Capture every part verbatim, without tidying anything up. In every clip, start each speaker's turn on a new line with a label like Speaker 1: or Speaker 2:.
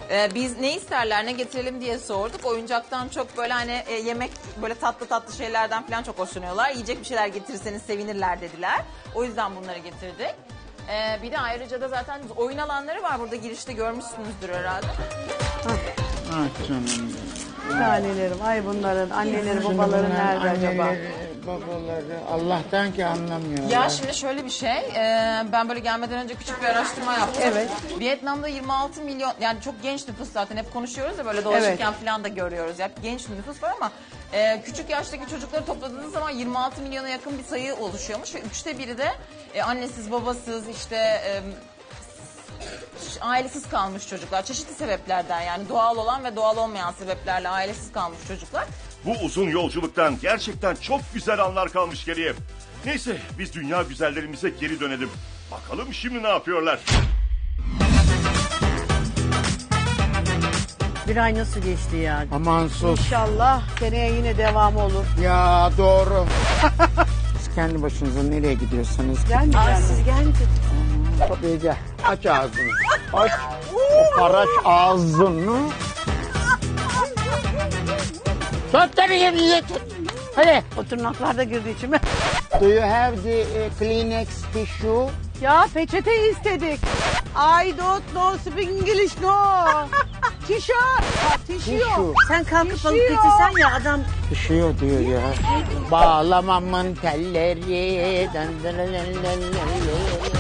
Speaker 1: Ee, biz ne isterler, ne getirelim diye sorduk. Oyuncaktan çok böyle hani e, yemek, böyle tatlı tatlı şeylerden falan çok hoşlanıyorlar. Yiyecek bir şeyler getirirseniz sevinirler dediler. O yüzden bunları getirdik. Ee, bir de ayrıca da zaten oyun alanları var burada, girişte görmüşsünüzdür herhalde.
Speaker 2: Ah canım.
Speaker 3: Tanelerim, ay bunların anneleri babaları nerede acaba?
Speaker 2: Babaları Allah'tan ki anlamıyorlar.
Speaker 1: Ya şimdi şöyle bir şey, e, ben böyle gelmeden önce küçük bir araştırma yaptım.
Speaker 3: Evet.
Speaker 1: Vietnam'da yirmi altı milyon, yani çok genç nüfus zaten, hep konuşuyoruz ya böyle dolaşırken
Speaker 3: Evet.
Speaker 1: falan da görüyoruz. Yani genç nüfus var ama e, küçük yaştaki çocukları topladığınız zaman yirmi altı milyona yakın bir sayı oluşuyormuş. Ve üçte biri de e, annesiz babasız işte... E, ailesiz kalmış çocuklar. Çeşitli sebeplerden, yani doğal olan ve doğal olmayan sebeplerle ailesiz kalmış çocuklar.
Speaker 4: Bu uzun yolculuktan gerçekten çok güzel anlar kalmış geriye. Neyse biz dünya güzellerimize geri dönelim. Bakalım şimdi ne yapıyorlar?
Speaker 5: Bir ay nasıl geçti ya?
Speaker 2: Aman sus.
Speaker 3: İnşallah seneye yine devam olur.
Speaker 2: Ya doğru. Siz kendi başınıza nereye gidiyorsunuz?
Speaker 3: Gelmeyeceğim mi?
Speaker 5: Siz gelmediniz.
Speaker 2: Tabii gel. Aç ağzını. Aç. O paraç ağzını. Tut tabii yerine tut. Hadi.
Speaker 3: O tırnaklar da girdi içime.
Speaker 2: Do you have the uh, Kleenex tissue?
Speaker 3: Ya peçete istedik. I don't know speak English no. Tişört. Ha, tişört.
Speaker 2: Tissue.
Speaker 5: Sen kalkıp alıp
Speaker 3: Düşüyor.
Speaker 5: getirsen ya adam.
Speaker 2: Düşüyor diyor ya. Bağlamamın telleri. Dın dın dın dın dın dın.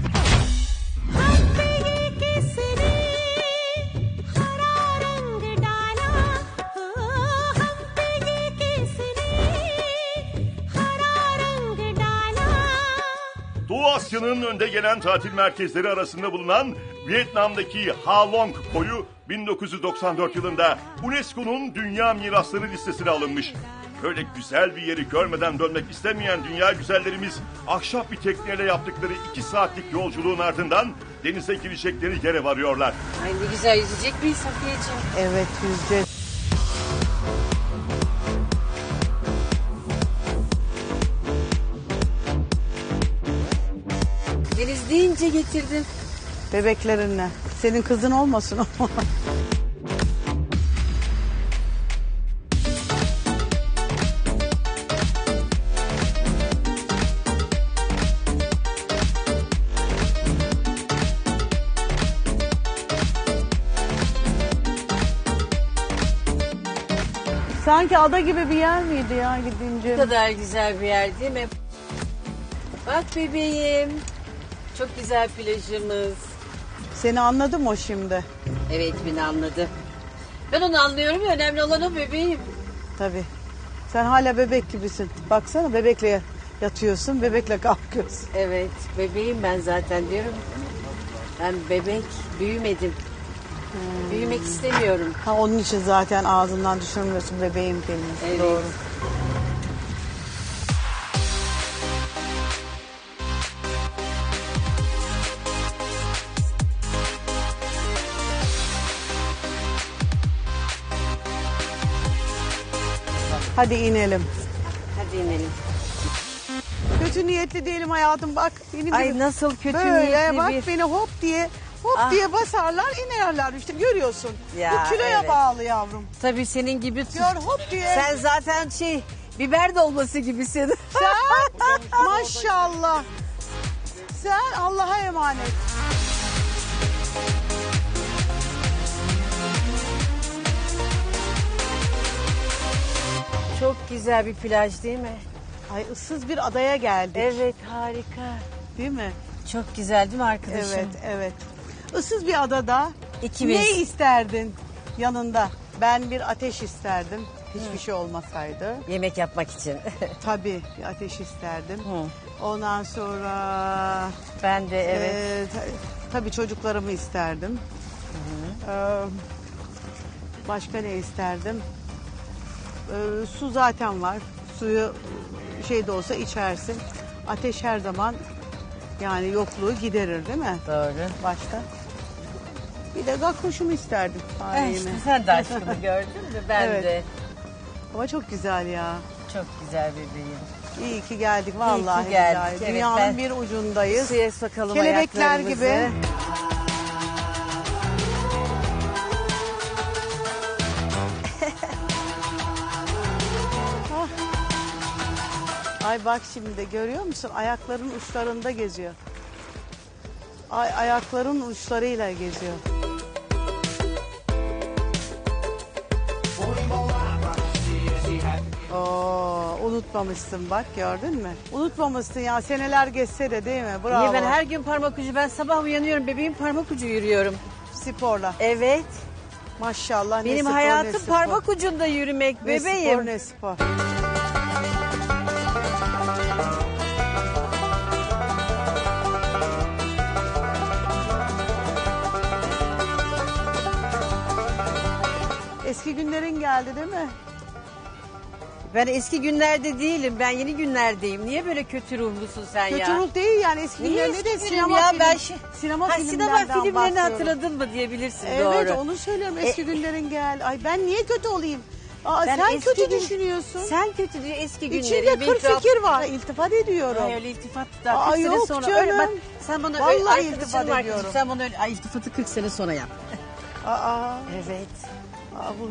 Speaker 4: Doğu Asya'nın önde gelen tatil merkezleri arasında bulunan Vietnam'daki Ha Long koyu bin dokuz yüz doksan dört yılında UNESCO'nun Dünya Mirasları listesine alınmış. Böyle güzel bir yeri görmeden dönmek istemeyen dünya güzellerimiz ahşap bir tekneyle yaptıkları iki saatlik yolculuğun ardından denize girecekleri yere varıyorlar.
Speaker 5: Ay ne güzel yüzecek miyiz Safiyeciğim?
Speaker 3: Evet yüzeceğiz.
Speaker 5: Deniz deyince getirdim.
Speaker 3: Bebeklerinle. Senin kızın olmasın o. Sanki ada gibi bir yer miydi ya gidince?
Speaker 5: Ne kadar güzel bir yer değil mi? Bak bebeğim. Çok güzel plajımız.
Speaker 3: Seni anladım o şimdi.
Speaker 5: Evet beni anladı. Ben onu anlıyorum ya, önemli olan o bebeğim.
Speaker 3: Tabii. Sen hala bebek gibisin. Baksana bebekle yatıyorsun, bebekle kalkıyorsun.
Speaker 5: Evet bebeğim ben zaten diyorum. Ben bebek büyümedim. Büyümek istemiyorum.
Speaker 3: Ha onun için zaten ağzından düşürmüyorsun bebeğim kelimesi.
Speaker 5: Evet.
Speaker 3: Doğru. Hadi inelim.
Speaker 5: Hadi inelim.
Speaker 3: Kötü niyetli değilim hayatım bak. Benim
Speaker 5: Ay
Speaker 3: gibi
Speaker 5: nasıl kötü
Speaker 3: böyle
Speaker 5: niyetli
Speaker 3: bak
Speaker 5: bir...
Speaker 3: beni hop diye hop
Speaker 5: Ah.
Speaker 3: diye basarlar inerler işte görüyorsun.
Speaker 5: Ya,
Speaker 3: Bu kiloya
Speaker 5: evet.
Speaker 3: bağlı yavrum.
Speaker 5: Tabii senin gibi...
Speaker 3: Gör hop diye.
Speaker 5: Sen zaten şey biber dolması gibisin.
Speaker 3: Sen maşallah. Sen Allah'a emanet.
Speaker 5: Çok güzel bir plaj değil mi?
Speaker 3: Ay ıssız bir adaya geldik.
Speaker 5: Evet harika.
Speaker 3: Değil mi?
Speaker 5: Çok güzel değil mi arkadaşım?
Speaker 3: Evet, evet. Issız bir adada
Speaker 5: İkimiz.
Speaker 3: ne isterdin yanında? Ben bir ateş isterdim. Hiçbir şey olmasaydı.
Speaker 5: Yemek yapmak için.
Speaker 3: Tabii bir ateş isterdim.
Speaker 5: Hı.
Speaker 3: Ondan sonra
Speaker 5: Ben de evet.
Speaker 3: e, ta- tabii çocuklarımı isterdim. Ee, başka ne isterdim? Ee, su zaten var. Suyu şey de olsa içersin. Ateş her zaman yani yokluğu giderir değil mi?
Speaker 5: Doğru.
Speaker 3: Başta. Bir de gakkoşumu isterdim.
Speaker 5: Eh,
Speaker 3: Tarihimi.
Speaker 5: işte sen de aşkını gördün mü? Ben
Speaker 3: Evet.
Speaker 5: de.
Speaker 3: Ama çok güzel ya.
Speaker 5: Çok güzel bebeğim.
Speaker 3: İyi ki geldik vallahi.
Speaker 5: geldik,
Speaker 3: billahi.
Speaker 5: evet,
Speaker 3: Dünyanın
Speaker 5: ben-
Speaker 3: bir ucundayız.
Speaker 5: Suya sokalım
Speaker 3: Kelebekler
Speaker 5: ayaklarımızı.
Speaker 3: gibi. Ay bak şimdi de görüyor musun? Ayakların uçlarında geziyor. Ay ayakların uçlarıyla geziyor. Oo, unutmamışsın bak gördün mü? Unutmamışsın ya seneler geçse de değil mi? Bravo.
Speaker 5: Niye ben her gün parmak ucu, ben sabah uyanıyorum bebeğim parmak ucu yürüyorum.
Speaker 3: Sporla.
Speaker 5: Evet.
Speaker 3: Maşallah ne
Speaker 5: Benim
Speaker 3: spor, ne
Speaker 5: hayatım
Speaker 3: spor.
Speaker 5: parmak ucunda yürümek
Speaker 3: Ne
Speaker 5: bebeğim.
Speaker 3: spor ne spor. Eski günlerin geldi değil mi?
Speaker 5: Ben eski günlerde değilim. Ben yeni günlerdeyim. Niye böyle kötü ruhlusun sen ya?
Speaker 3: Kötü ruh değil yani eski
Speaker 5: Niye
Speaker 3: günlerinde
Speaker 5: eski
Speaker 3: de
Speaker 5: film
Speaker 3: sinema
Speaker 5: ya?
Speaker 3: film,
Speaker 5: Ben şi-
Speaker 3: sinema
Speaker 5: Ha,
Speaker 3: filmlerinden
Speaker 5: sinema filmlerini
Speaker 3: bahsediyorum.
Speaker 5: hatırladın mı diyebilirsin
Speaker 3: Evet
Speaker 5: doğru.
Speaker 3: onu söylüyorum eski
Speaker 5: E-
Speaker 3: günlerin gel. Ay ben niye kötü olayım? Aa,
Speaker 5: Ben
Speaker 3: sen
Speaker 5: eski
Speaker 3: kötü
Speaker 5: gün-
Speaker 3: düşünüyorsun.
Speaker 5: Sen kötü diyor eski günleri.
Speaker 3: İçinde
Speaker 5: benim
Speaker 3: kırk
Speaker 5: tuhaf-
Speaker 3: fikir var. İltifat ediyorum.
Speaker 5: Ay, öyle iltifat da
Speaker 3: Aa,
Speaker 5: kırk sene
Speaker 3: yok
Speaker 5: sonra.
Speaker 3: canım.
Speaker 5: Öyle bak sen bana
Speaker 3: Vallahi
Speaker 5: öyle arkadaşım
Speaker 3: iltifat
Speaker 5: var kızım,
Speaker 3: ediyorum.
Speaker 5: sen bana öyle ay, iltifatı kırk sene sonra yap.
Speaker 3: Aa,
Speaker 5: Evet.
Speaker 3: aa, bu-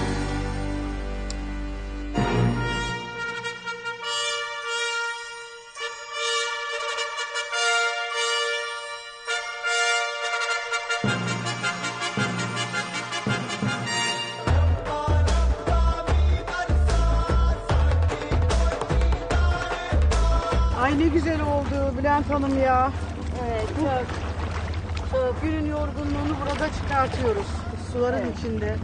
Speaker 3: Ay ne güzel oldu Bülent Hanım ya.
Speaker 5: Evet çok.
Speaker 3: Çok. Günün yorgunluğunu burada çıkartıyoruz. Suların içinde.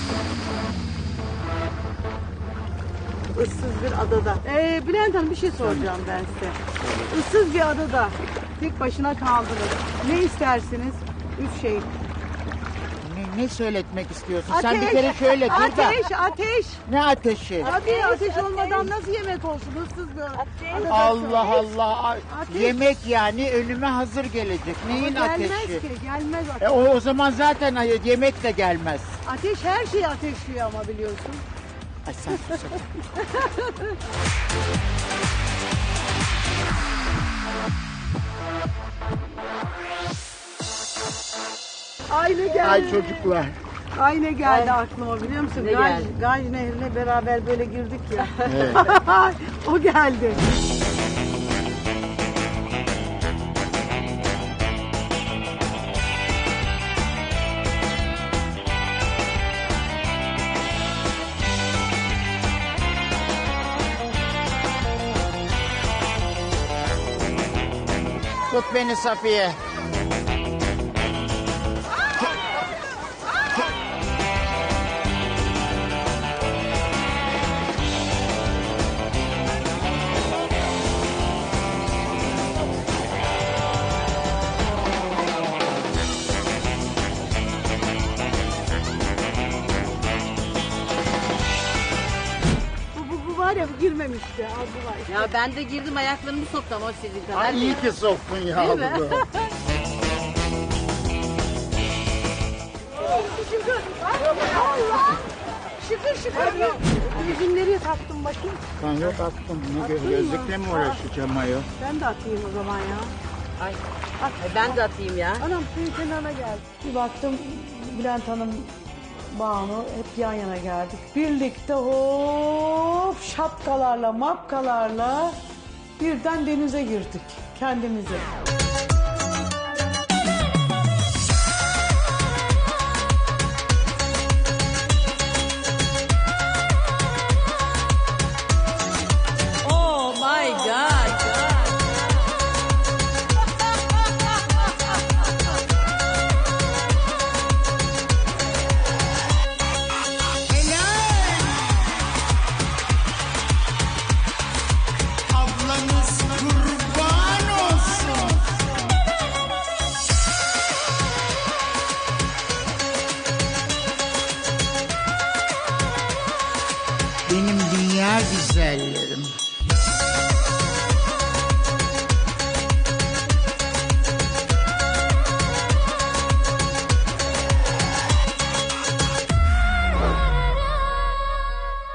Speaker 3: Issız bir adada. Ee, Bülent Hanım bir şey soracağım ben size. Issız bir adada tek başına kaldınız. Ne istersiniz? Üç şey.
Speaker 2: Ne, ne söyletmek istiyorsun? Sen bir kere şöyle dur da.
Speaker 3: Ateş, ateş.
Speaker 2: Ne ateşi?
Speaker 3: Tabii ateş,
Speaker 5: ateş.
Speaker 3: olmadan nasıl yemek olsun? Issız bir adada.
Speaker 2: Allah Allah. Ay,
Speaker 3: Ateş.
Speaker 2: Yemek yani önüme hazır gelecek. Neyin
Speaker 3: Ama gelmez
Speaker 2: ateşi?
Speaker 3: ki, gelmez
Speaker 2: E,
Speaker 3: ateş.
Speaker 2: o, o zaman zaten ay- yemek de gelmez.
Speaker 3: Ateş her şeyi ateşliyor ama biliyorsun.
Speaker 2: Ay sen sus.
Speaker 3: Ay ne geldi.
Speaker 2: Ay çocuklar.
Speaker 3: Ay ne geldi aklıma biliyor musun?
Speaker 5: Ne
Speaker 3: Gaj,
Speaker 5: geldi?
Speaker 3: Gaj Nehri'ne beraber böyle girdik ya.
Speaker 2: Evet.
Speaker 3: O geldi.
Speaker 2: Tut beni Safiye.
Speaker 3: Bu, bu, bu var ya bu girmemişti. Al bu var.
Speaker 5: Ya ben de girdim ayaklarımı soktum ama sizin kadar.
Speaker 2: Ay iyi ki soktun ya.
Speaker 5: Değil mi?
Speaker 2: bunu.
Speaker 3: Şükür. Allah. Şükür şükür. Yüzümleri taktım bakayım.
Speaker 2: Ben yok attım. Ne gö- gözlükle mi uğraşacağım ayol?
Speaker 3: Ben de atayım o zaman ya.
Speaker 5: Ay. Ay, ben de atayım ya.
Speaker 3: Anam suyun kenarına geldi. Bir baktım Bülent Hanım, Banu hep yan yana geldik. Birlikte hop şapkalarla mapkalarla birden denize girdik kendimize.
Speaker 5: Oh my god.
Speaker 2: Ablanız kurban olsun. Benim dünya güzellerim.